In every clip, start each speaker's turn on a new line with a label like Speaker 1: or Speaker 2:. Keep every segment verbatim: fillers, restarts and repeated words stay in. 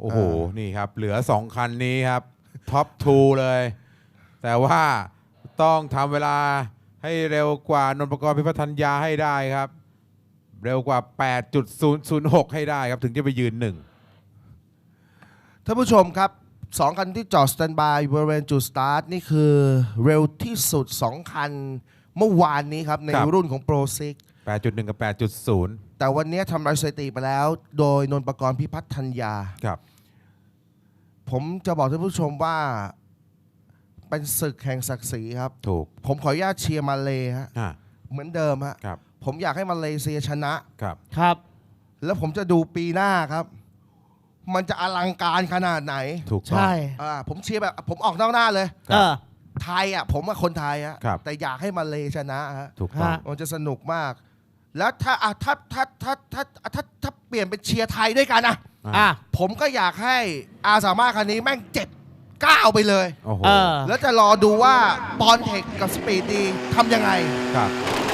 Speaker 1: โอ้โหนี่ครับเหลือสองคันนี้ครับท็อปทูเลยแต่ว่าต้องทำเวลาให้เร็วกว่านนท์ประกรณ์พิพัฒนยาให้ได้ครับเร็วกว่า แปดจุดศูนย์ศูนย์หก ให้ได้ครับถึงจะไปยืนหนึ่ง
Speaker 2: ท่านผู้ชมครับสองคันที่จอดสแตนบายบริเวณจุดสตาร์ทนี่คือเร็วที่สุดสองคันเมื่อวานนี้ครับในรุ่นของโปรซิก
Speaker 1: แปดจุดหนึ่ง กับ แปดจุดศูนย์
Speaker 2: แต่วันนี้ทำลายสถิติไปแล้วโดยนนท์ประกรณ์พิพัฒนยา
Speaker 1: ครับ
Speaker 2: ผมจะบอกท่านผู้ชมว่าเป็นศึกแห่งศักดิ์ศรีครับ
Speaker 1: ถูก
Speaker 2: ผมขออนุญาตเชียร์มาเลฮะ
Speaker 1: อ่า
Speaker 2: เหมือนเดิมฮะ
Speaker 1: ครับ
Speaker 2: ผมอยากให้มาเลเซียชนะครับ
Speaker 3: ครับ
Speaker 2: แล้วผมจะดูปีหน้าครับมันจะอลังการขนาดไหน
Speaker 1: ถูกต้อง
Speaker 3: ใช่
Speaker 2: อ่าผมเชียร์แบบผมออกนอกหน้าเลย
Speaker 1: ครับ
Speaker 3: เออ
Speaker 2: ไทยอ่ะผมว่าคนไทยอ่ะ
Speaker 1: ครับ
Speaker 2: แต่อยากให้มาเลชนะฮะ
Speaker 1: ถูกต้อง
Speaker 3: ฮะ
Speaker 2: มันจะสนุกมาก แล้วถ้าอ่ะถ้าถ้าถ้าถ้าถ้าถ้าเปลี่ยนเป็นเชียร์ไทยด้วยกันอ่ะ
Speaker 3: อ่ะ
Speaker 2: ผมก็อยากให้อาสามารถคันนี้แม่งเจ็ดเก้าไปเลย
Speaker 1: โอ้โห
Speaker 3: เออ
Speaker 2: แล้วจะรอดูว่าปอนเทคกับสปีดดีทำยังไง
Speaker 1: ครับ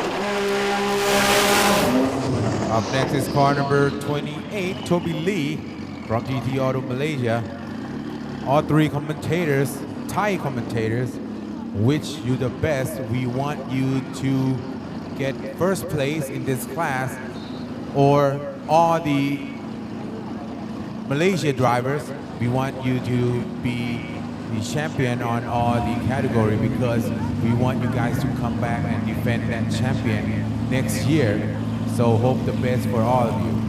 Speaker 1: Up next is car number twenty-eight, Toby Lee from G T Auto Malaysia. All three commentators, Thai commentators, wish you the best. We want you to get first place in this class, or all the Malaysia drivers, we want you to be the champion on all the category because we want you guys to come back and defend that champion next year. So hope the best for all of you.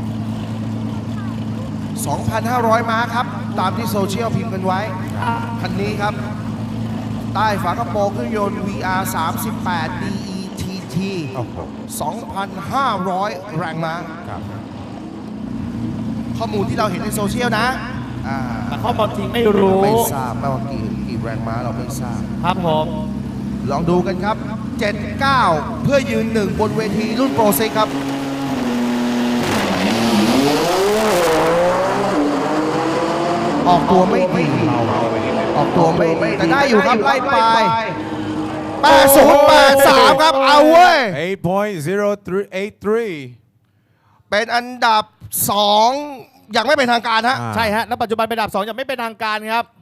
Speaker 2: สองพันห้าร้อย ม้าครับ ตามที่โซเชียลพิมพ์กันไว้ คันนี้ครับ ใต้ฝากระโปรงเครื่องยนต์ วี อาร์ สามสิบแปด ดี อี ที ที
Speaker 1: โอ้โห
Speaker 2: สองพันห้าร้อย แรงม้า
Speaker 1: ครับ
Speaker 2: ข้อมูลที่เราเห็นในโซเชียลนะอ่า
Speaker 3: แต่ข้อมูลจริงไม่รู้
Speaker 2: ไม่ทราบว่ากี่กี่แรงม้าเราไม่ทราบ
Speaker 3: ครับผม
Speaker 2: ลองดูกันครับ เจ็ดเก้า เพื่อยืนหนึ่งบนเวทีรุ่นโปรซิกครับ ออกตัวไม่ดีออกตัวไม่ดีแต่ได้อยู่ครับ ไล่ไป แปดศูนย์แปดสาม ครับ เอาเว้ย
Speaker 1: eight point zero three eight three
Speaker 2: เป็นอันดับสองอย่างไม่เป็นทางการฮะ
Speaker 1: อ่า
Speaker 3: ใช่ฮะ แล้วปัจจุบันเป็นอันดับสองยังไม่เป็นทางการครับ